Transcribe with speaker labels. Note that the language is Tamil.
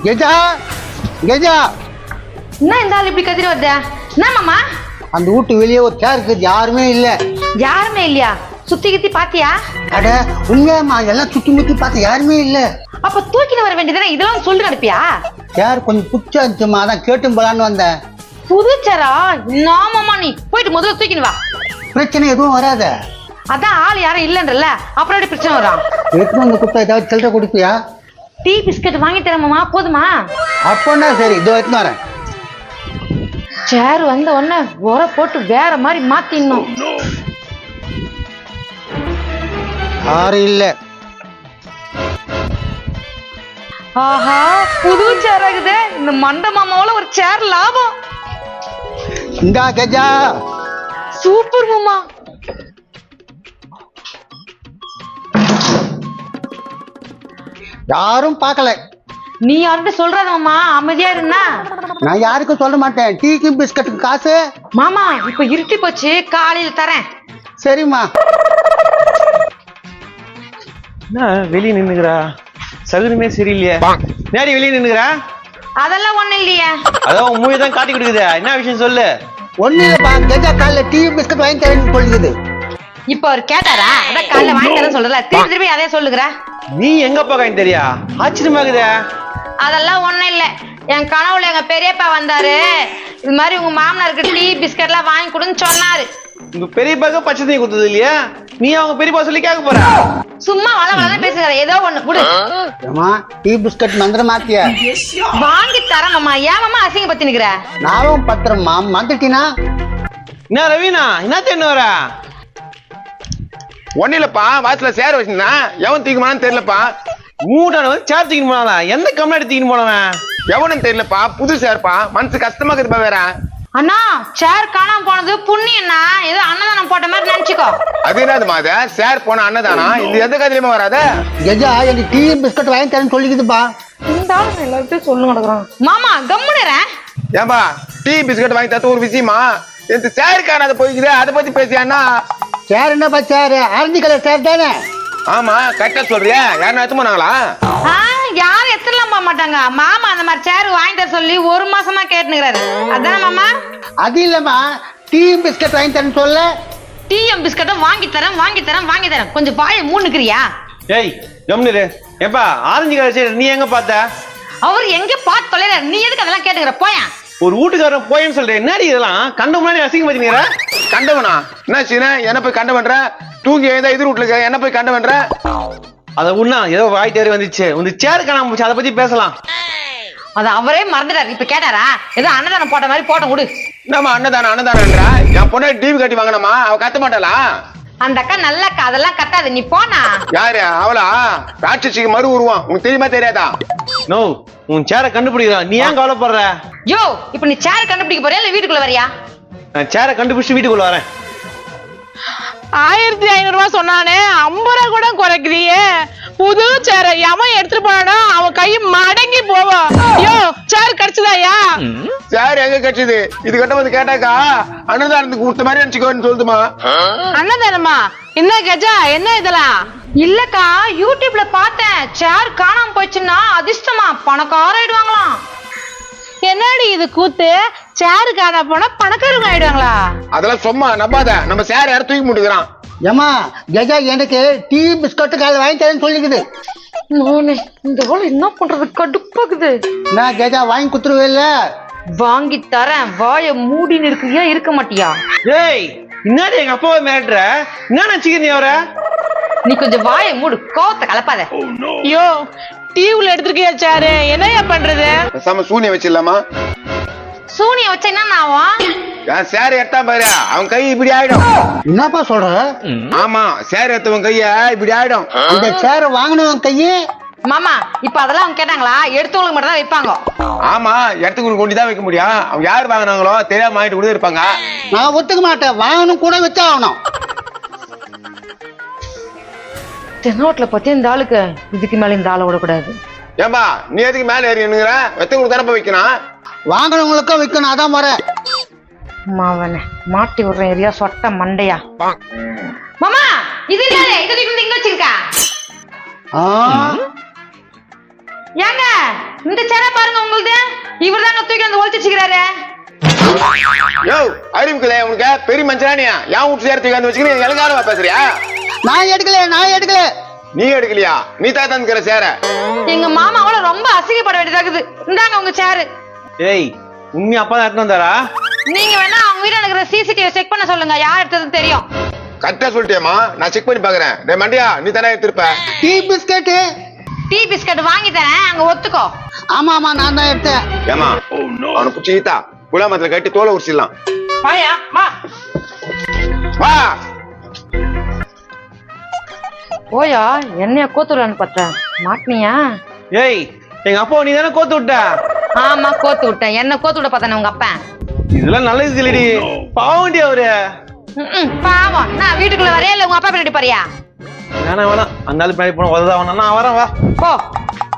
Speaker 1: கெஜா கெஜா
Speaker 2: என்ன இந்த ஆள் இப்படி கத்திரி வருது? என்ன மாமா?
Speaker 1: அந்த வீட்டு வெளியே ஒரு சேர் இருக்குது, யாருமே இல்ல.
Speaker 2: யாருமே இல்லையா? சுத்தி கித்தி பாத்தியா?
Speaker 1: அட உண்மையாமா, எல்லாம் சுத்தி முத்தி பார்த்து யாருமே இல்ல.
Speaker 2: அப்ப தூக்கிட்டு வர வேண்டியதானே, இதெல்லாம் சொல்லி அனுப்பியா?
Speaker 1: சேர் கொஞ்சம் புச்சா இருந்துச்சுமா, அதான் கேட்டும் போலான்னு வந்தேன்.
Speaker 2: புதுச்சரா? மாமா நீ போயிட்டு முதல்ல தூக்கின்னு வா.
Speaker 1: பிரச்சனை எதுவும் வராத.
Speaker 2: அதான் ஆள் யாரும் இல்லன்றல, அப்புறம் எப்படி பிரச்சனை வரும்?
Speaker 1: எடுத்துன்னு வந்து கொடுத்தா ஏதாவது சில்லறை கொடுப்பியா?
Speaker 2: டீ பிஸ்கட் வாங்கி தரேன் மாமா, போதுமா?
Speaker 1: அப்போன்னா சரி, இதோ எடுத்துன்னு வரேன்.
Speaker 2: சேர் வந்த உடனே உர போட்டு வேற மாதிரி மாத்திடணும்.
Speaker 1: யாரும் இல்ல.
Speaker 2: ஆஹா, புது சேர் ஆகுது. இந்த மண்ட மாமாவோட ஒரு சேர் லாபம்.
Speaker 1: இந்தா கெஜா.
Speaker 2: சூப்பர் மாமா.
Speaker 1: யாரும் பார்க்கல.
Speaker 2: நீ யார்கிட்ட சொல்றாத மாமா, அமைதியா இருந்தா.
Speaker 1: நான் யாருக்கும் சொல்ல மாட்டேன். டீக்கு பிஸ்கட்டுக்கு காசு
Speaker 2: மாமா இப்ப இருட்டி போச்சு, காலையில தரேன்.
Speaker 1: சரிம்மா.
Speaker 3: என்ன வெளியே நின்னுக்கிறா? சகுனமே சரியில்லையே. நேரி வெளியே நின்னுக்கிறா?
Speaker 2: அதெல்லாம் ஒண்ணு இல்லையே.
Speaker 3: அதான் மூவி தான் காட்டி கொடுக்குது. என்ன விஷயம் சொல்லு.
Speaker 1: ஒண்ணு இல்லப்பா, கெஜா காலைல டீ பிஸ்கட் வாங்கி தரேன்னு சொல்லுது.
Speaker 2: இப்ப அவர் கேட்டாரா? அதான் காலைல வாங்கி தரேன் சொல்றல, திருப்பி திருப்பி அதே சொல்லுகிற.
Speaker 3: நீ எங்க போகான்னு தெரியா? ஆச்சரியமாகுதே.
Speaker 2: அதெல்லாம் ஒண்ணும் இல்ல. என் கனவுல எங்க பெரியப்பா வந்தாரு, இது மாதிரி உங்க மாமனாருக்கு டீ பிஸ்கட் எல்லாம் வாங்கி கொடுன்னு சொன்னாரு.
Speaker 3: உங்க பெரியப்பாக்கு பச்சை தண்ணி கொடுத்தது இல்லையா? நீ அவங்க பெரியப்பா சொல்லி கேட்க போற?
Speaker 2: சும்மா வள வள பேசுகிற, ஏதோ ஒண்ணு விடு.
Speaker 1: ஏமா டீ பிஸ்கட் மந்திர மாத்திய?
Speaker 2: வாங்கி தரேன் மாமா. ஏன் மாமா அசிங்க பத்தி நிக்கிற?
Speaker 1: நானும் பத்திரமா மந்திட்டினா.
Speaker 3: என்ன ரவீனா, என்ன தேன்னு வர?
Speaker 4: ஒன்னும் இல்லப்பா, வாசல சேர வச்சிருந்தா எவன் தூக்கிமான்னு தெரியலப்பா.
Speaker 3: மூட்டான வந்து சேர் தூக்கின்னு போனாலா? எந்த கம்நாடி தூக்கின்னு போனவன்?
Speaker 4: எவனும் தெரியலப்பா, புது சேர்ப்பா. மனசு கஷ்டமா இருக்குதுப்பா. வேற
Speaker 2: அண்ணா சேர் காணாம போனது புண்ணியண்ணா, ஏதோ அன்னதானம் போட்ட மாதிரி நினைச்சுக்கோ.
Speaker 4: அது என்னது மாத சேர் போன அண்ணதானா? இது எந்த கதையிலுமா வராத.
Speaker 1: கெஜா எனக்கு டீ பிஸ்கட் வாங்கி தரேன்னு சொல்லிக்குதுப்பா.
Speaker 2: இந்த ஆளு எல்லாத்தையும் சொல்லு நடக்குறான். மாமா கம்முனுறேன்.
Speaker 4: ஏன்பா டீ பிஸ்கட் வாங்கி தரது ஒரு விஷயமா? இந்த சேர் காணாத போய்க்குது, அதை பத்தி பேசியான்னா?
Speaker 1: சேர் என்னப்பா சேர்? ஆரஞ்சு கலர் சேர் தானே?
Speaker 4: ஆமா கரெக்டா சொல்றியா? யாரும் எடுத்து போனாங்களா?
Speaker 2: யாரும் எத்தலாம் போக மாட்டாங்க. மாமா அந்த மாதிரி சேர் வாங்கி தர சொல்லி ஒரு மாசமா கேட்டுனுக்குறாரு. அதானே மாமா?
Speaker 1: அது இல்லம்மா, டீ பிஸ்கட் வாங்கி தரேன்னு சொல்ல.
Speaker 2: டீயும் பிஸ்கட்டும் வாங்கி தரேன் வாங்கி தரேன் வாங்கி தரேன். கொஞ்சம் பாய மூணுக்கிறியா?
Speaker 3: ஏய் கம்னிரு. ஏப்பா ஆரஞ்சு கலர் சேர் நீ எங்க பார்த்த?
Speaker 2: அவர் எங்க பார்த்து தொலைற, நீ எதுக்கு அதெல்லாம் கேட்டுக்கிற? போயா
Speaker 3: ஒரு வீட்டுக்காரன் போயன்னு சொல்றேன். என்னடி இதெல்லாம்? கண்ட முன்னாடி அசிங்க பாத்தீங்க.
Speaker 4: கண்டவனா? என்ன சீன என்ன போய் கண்ட பண்ற? தூங்கி எழுந்தா எதிர் வீட்டுல இருக்க என்ன போய் கண்ட பண்ற?
Speaker 3: அத உண்ணா ஏதோ வாய் தேறி வந்துச்சு. உங்க சேர் காணாம போச்சு, அதை பத்தி பேசலாம்.
Speaker 2: அது அவரே மறந்துட்டாரு. இப்ப கேட்டாரா? ஏதோ அன்னதானம் போட்ட மாதிரி போட்ட விடு.
Speaker 4: என்னம்மா அன்னதானன்றா? என் பொண்ணு டிவி கட்டி வாங்கினமா, அவ கத்த மாட்டாளா?
Speaker 2: அந்த அக்கா நல்ல அக்கா, அதெல்லாம் கத்தாது. நீ போனா.
Speaker 4: யாரு அவளா? ராட்சசிக்கு மறு உருவான். உனக்கு தெரியுமா தெரியாதா?
Speaker 3: நோ, உன் சேரை கண்டுபிடிக்கிறான். நீ ஏன் கவலைப்படுற?
Speaker 2: யோ இப்ப நீ சேர் கண்டுபிடிக்க போறியா இல்ல வீட்டுக்குள்ள வரியா?
Speaker 3: நான் சேரை கண்டுபிடிச்சு வீட்டுக்குள்ள வரேன்.
Speaker 5: 1500 ரூபாய் சொன்னானே, 50 ரூபா கூட குறைக்கிறியே. புது சேர எவன் எடுத்துட்டு போனா அவன் கை மடங்கி போவான். ஐயோ சேர் கிடைச்சதாயா?
Speaker 4: சேர் எங்க கிடைச்சது? இது கிட்ட வந்து கேட்டாக்கா அன்னதானத்துக்கு கொடுத்த மாதிரி நினைச்சுக்கோன்னு சொல்லுமா?
Speaker 5: அண்ணதானமா? என்ன கஜா, என்ன இதெல்லாம்?
Speaker 2: இல்லக்கா, யூடியூப்ல பார்த்தேன். சேர் காணாம போச்சுன்னா அதிர்ஷ்டமா பணக்கார ஆயிடுவாங்களாம்.
Speaker 5: என்னடி இது கூத்து? சேரு காணா போனா பணக்காரங்க ஆயிடுவாங்களா?
Speaker 4: அதெல்லாம் சும்மா நம்பாத. நம்ம சேர் யாரும் தூக்கி முட்டுக்கிறான்.
Speaker 1: ஏமா கெஜா எனக்கு டீ பிஸ்கட் காலைல வாங்கி தரேன்னு சொல்லிக்குது.
Speaker 2: இந்த வேலை என்ன பண்றது, கடுப்பாக்குது.
Speaker 1: நான் கெஜா வாங்கி குத்துருவே இல்ல.
Speaker 2: வாங்கி தரேன், வாய மூடின்னு இருக்கியா இருக்க மாட்டியா?
Speaker 3: ஏய் இன்னாடி எங்க அப்பாவை மிரட்டுற? என்ன நினைச்சுக்க நீ அவர?
Speaker 2: நீ கொஞ்சம் வாய மூடு, கோவத்தை கலப்பாத.
Speaker 5: ஐயோ டிவில எடுத்துருக்கியா சேரு? என்னையா பண்றது?
Speaker 4: பேசாம சூனியம் வச்சிடலாமா?
Speaker 2: சூனிய வச்ச என்ன ஆகும்?
Speaker 4: என் சேர் எடுத்தா பாரு, அவன் கை இப்படி ஆயிடும்.
Speaker 1: என்னப்பா சொல்ற?
Speaker 4: ஆமா சேர் எடுத்தவன் கைய இப்படி ஆயிடும்.
Speaker 1: இந்த சேரை வாங்கினவன் கையே.
Speaker 2: மாமா இப்ப அதெல்லாம் அவங்க கேட்டாங்களா? எடுத்தவங்களுக்கு மட்டும் தான் வைப்பாங்க.
Speaker 4: ஆமா இடத்துக்கு கொண்டுதான் வைக்க முடியும். அவங்க யாரு வாங்கினாங்களோ தெரியாம வாங்கிட்டு கூட இருப்பாங்க.
Speaker 1: நான் ஒத்துக்க மாட்டேன். வாங்கணும் கூட வச்சாகணும்.
Speaker 2: தென்னோட்ல பத்தி இந்த ஆளுக்கு இதுக்கு மேல இந்த ஆளை விடக்கூடாது.
Speaker 4: ஏம்பா நீ எதுக்கு மேல ஏறி நின்னுங்கிற? வெத்தவங்களுக்கு தரப்ப வைக்கணும்.
Speaker 1: வாங்கினவங்களுக்கும் வைக்கணும், அதான் முறை.
Speaker 2: மாவனே மாட்டி விடுறேன் ஏரியா சொட்ட மண்டையா. மாமா இது என்ன? இங்க வச்சிருக்கா? ஏங்க இந்த சேர பாருங்க உங்களுது. இவர் தாங்க தூக்கி வந்து ஒழிச்சு வச்சுக்கிறாரு.
Speaker 4: யோ அறிவுக்குல உனக்கு பெரிய மனுஷனா நீ ஏன் வீட்டு சேர தூக்கி வந்து வச்சுக்கிட்டு எனக்காரமா பேசுறியா?
Speaker 1: நான் எடுக்கல
Speaker 4: நீ எடுக்கலையா? நீ தான் தந்துக்கிற சேர.
Speaker 2: எங்க மாமாவோட ரொம்ப அசிங்கப்பட வேண்டியதாகுது. இந்தாங்க உங்க சேரு.
Speaker 3: ஏய் உண்மை அப்பா தான் எடுத்துன்னு வந்தாரா?
Speaker 2: நீங்க வேணா அவங்க வீட்டுல இருக்கிற சிசிடிவி செக் பண்ண சொல்லுங்க, யார் எடுத்ததுன்னு தெரியும்.
Speaker 4: கரெக்டா சொல்லிட்டேமா, நான் செக் பண்ணி பாக்குறேன். டேய் மண்டியா, நீ தானே எடுத்திருப்ப.
Speaker 1: Tea biscuit.
Speaker 2: டீ பிஸ்கட் வாங்கி தரேன், அங்க ஒத்துக்கோ.
Speaker 1: ஆமா நான் தான் எடுத்தேன்.
Speaker 4: ஏமா அவனை பிடிச்சி ஈத்தா குலாமத்துல கட்டி தோலை உரிச்சிடலாம்.
Speaker 5: வாயா வா.
Speaker 4: வா.
Speaker 2: ஓயா என்னைய கோத்துடலான்னு பார்த்தேன், மாட்டினியா?
Speaker 3: ஏய் எங்க அப்பா நீ தானே கோத்து விட்ட.
Speaker 2: ஆமா கோத்து விட்டேன். என்ன கோத்து விட பார்த்தானே உங்க அப்பா.
Speaker 3: இதெல்லாம் நல்லது இல்லடி, பாவண்டி அவரு.
Speaker 2: பாவம். நான் வீட்டுக்குள்ள வரையா இல்ல உங்க அப்பா பின்னாடி பாரியா?
Speaker 3: வேணாம் அந்த ஆளு பின்னாடி போன உததான் நான் வரேன் வா.
Speaker 2: போ.